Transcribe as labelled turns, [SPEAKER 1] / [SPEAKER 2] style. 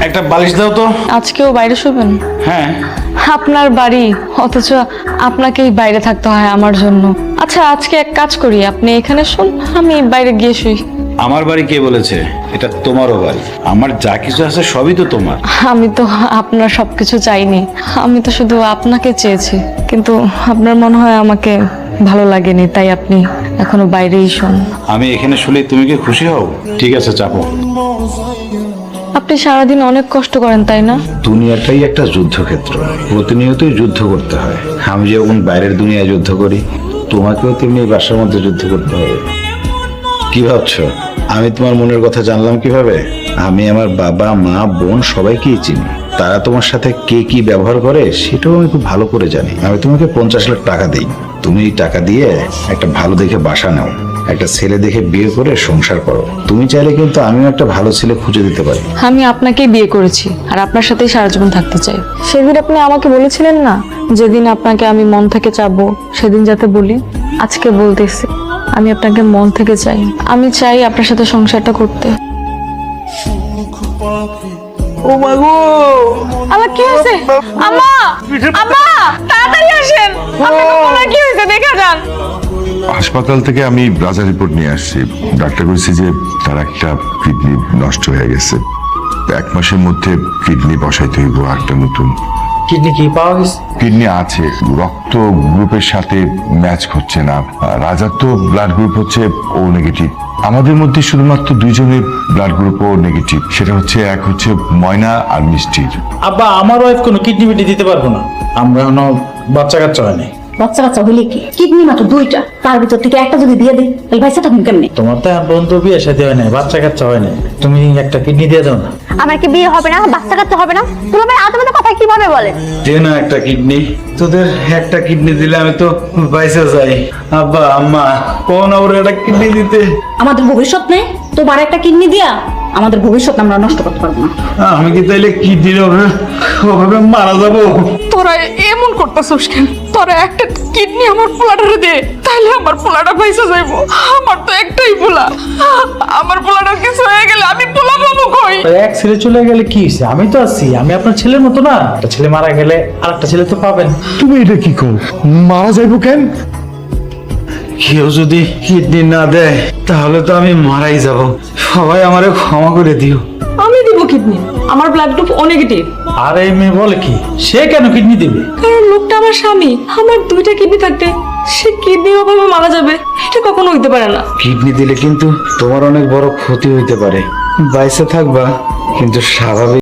[SPEAKER 1] একটা বালিশ দাও তো।
[SPEAKER 2] আজকেও বাইরে শুবেন?
[SPEAKER 1] হ্যাঁ।
[SPEAKER 2] আপনার বাড়ি, অথচ আপনাকেই বাইরে থাকতে হয় আমার জন্য। আচ্ছা, আজকে এক কাজ করি, আপনি এখানে শুন, আমি বাইরে গিয়ে শুই।
[SPEAKER 1] আমার বাড়ি কে বলেছে? এটা তোমারও বাড়ি। আমার যা কিছু আছে সবই তো তোমার।
[SPEAKER 2] আমি তো আপনার সবকিছু চাইনি, আমি তো শুধু আপনাকে চেয়েছি, কিন্তু আপনার মনে হয় আমাকে ভালো লাগেনি, তাই আপনি এখনো বাইরেই শুন।
[SPEAKER 1] আমি এখানে শুলে তুমি কি খুশি হও? ঠিক আছে, চাপো।
[SPEAKER 2] আপনি সারাদিন অনেক কষ্ট করেন, তাই না?
[SPEAKER 1] দুনিয়াটাই একটা যুদ্ধক্ষেত্র, প্রতিনিয়তই যুদ্ধ করতে হয়। আমি যেমন বাইরের দুনিয়ায় যুদ্ধ করি, তোমাকেও তেমনি এই বাসার মধ্যে যুদ্ধ করতে হবে। কি ভাবছো আমি তোমার মনের কথা জানলাম কিভাবে? আমি আমার বাবা, মা, বোন সবাইকেই চিনি। তারা তোমার সাথে কে কি ব্যবহার করে সেটাও আমি খুব ভালো করে জানি। আমি তোমাকে 50 লাখ টাকা দিই, তুমি এই টাকা দিয়ে একটা ভালো দেখে বাসা নাও, একটা ছেলে দেখে বিয়ে করে সংসার করো। তুমি চাইলে কিন্তু আমিও একটা ভালো ছেলে খুঁজে দিতে পারি।
[SPEAKER 2] আমি আপনাকেই বিয়ে করেছি আর আপনার সাথেই সারা জীবন থাকতে চাই। সেদিন আপনি আমাকে বলেছিলেন না, যেদিন আপনাকে আমি মন থেকে চাবো সেদিন যাতে বলি, আজকে বলতেছি আমি আপনাকে মন থেকে চাই। আমি চাই আপনার সাথে সংসারটা করতে।
[SPEAKER 3] ও মা গো,
[SPEAKER 2] আমার কি হয়েছে? আম্মা, আম্মা, তাড়াতাড়ি আসেন, আপনার কোমরে কি হয়েছে দেখা যান।
[SPEAKER 4] হাসপাতাল থেকে আমি রাজা রিপোর্ট নিয়ে আসছি। ডাক্তার বলেছে যে তার একটা কিডনি নষ্ট হয়ে গেছে, 1 মাসের মধ্যে কিডনি বসাইতে হইব একটা নতুন।
[SPEAKER 3] কিডনি কি পাওয়া গেছে?
[SPEAKER 4] কিডনি আছে, রক্ত গ্রুপের সাথে ম্যাচ হচ্ছে না। রাজার তো ব্লাড গ্রুপ হচ্ছে ও নেগেটিভ। আমাদের মধ্যে শুধুমাত্র 2 জনের ব্লাড গ্রুপ ও নেগেটিভ, সেটা হচ্ছে এক হচ্ছে ময়না আর মিষ্টির।
[SPEAKER 3] আব্বা, আমার ওয়াইফ কোনো কিডনি বিডনি দিতে পারবো না, আমরা এখনো বাচ্চা কাচ্চা হয়নি।
[SPEAKER 5] বাচ্চা কাচ্চা হইলে কি, কিডনি মাত্র 2টা, তার ভিতর থেকে একটা যদি দিয়ে দিই তাহলে ভাইসা থাকুন কেমনে?
[SPEAKER 3] তোমার তো এখন পর্যন্ত বিয়ে সাথে হয় নাই, বাচ্চা কাচ্চা হয় নাই, তুমি একটা কিডনি দিয়ে দাও না।
[SPEAKER 5] আমার কি বিয়ে হবে না, বাচ্চা কাচ্চা হবে না? তুমি ভাই আদমে কথা কিভাবে বলে?
[SPEAKER 1] দে না একটা কিডনি, তোদের একটা কিডনি দিলে আমি তো বাইসে যাই। আব্বা, আম্মা, কোন ওর একটা কিডনি দিতে?
[SPEAKER 5] আমাদের ভবিষ্যৎ নেই, তোমার একটা কিডনি দিয়া আমাদের ভবিষ্যৎ আমরা নষ্ট করতে পারবো না।
[SPEAKER 1] আমি কি তাইলে কিডনি ওভাবে মারা যাবো?
[SPEAKER 2] তোরা এমন করতেছস কেন? তোরা একটা কিডনি আমার পোলাটারে দে, তাহলে আমার পোলাটা পয়সা যাইবো। আমার তো একটাই পোলা, আমার পোলাটার কিছু হয়ে গেলে আমি পোলা পাবো কই?
[SPEAKER 3] এক ছেলে চলে গেলে কি হয়েছে? আমি তো আছি, আমি আপনার ছেলের মতো না? একটা ছেলে মারা গেলে আরেকটা ছেলে তো পাবেন।
[SPEAKER 4] তুমি এটা কি কর, মারা যাইব কেন?
[SPEAKER 1] কেউ যদি কিডনি না দেয় তাহলে তো আমি মারাই যাব। সবাই আমারে ক্ষমা করে দিও।
[SPEAKER 2] আমি দিব কিডনি, আমার ব্লাড গ্রুপ ও নেগেটিভ।
[SPEAKER 3] আর এই মেয়ে বলে কি, সে কেন কিডনি দিবে?
[SPEAKER 2] কারণ লোকটা আমার স্বামী, আমার 2টা কিডনি থাকতে সে কিডনির অভাবে মারা যাবে, এটা কখনো হইতে পারে না।
[SPEAKER 1] কিডনি দিলে কিন্তু তোমার অনেক বড় ক্ষতি হইতে পারে। বাইসে থাকবা কিন্তু স্বাভাবিক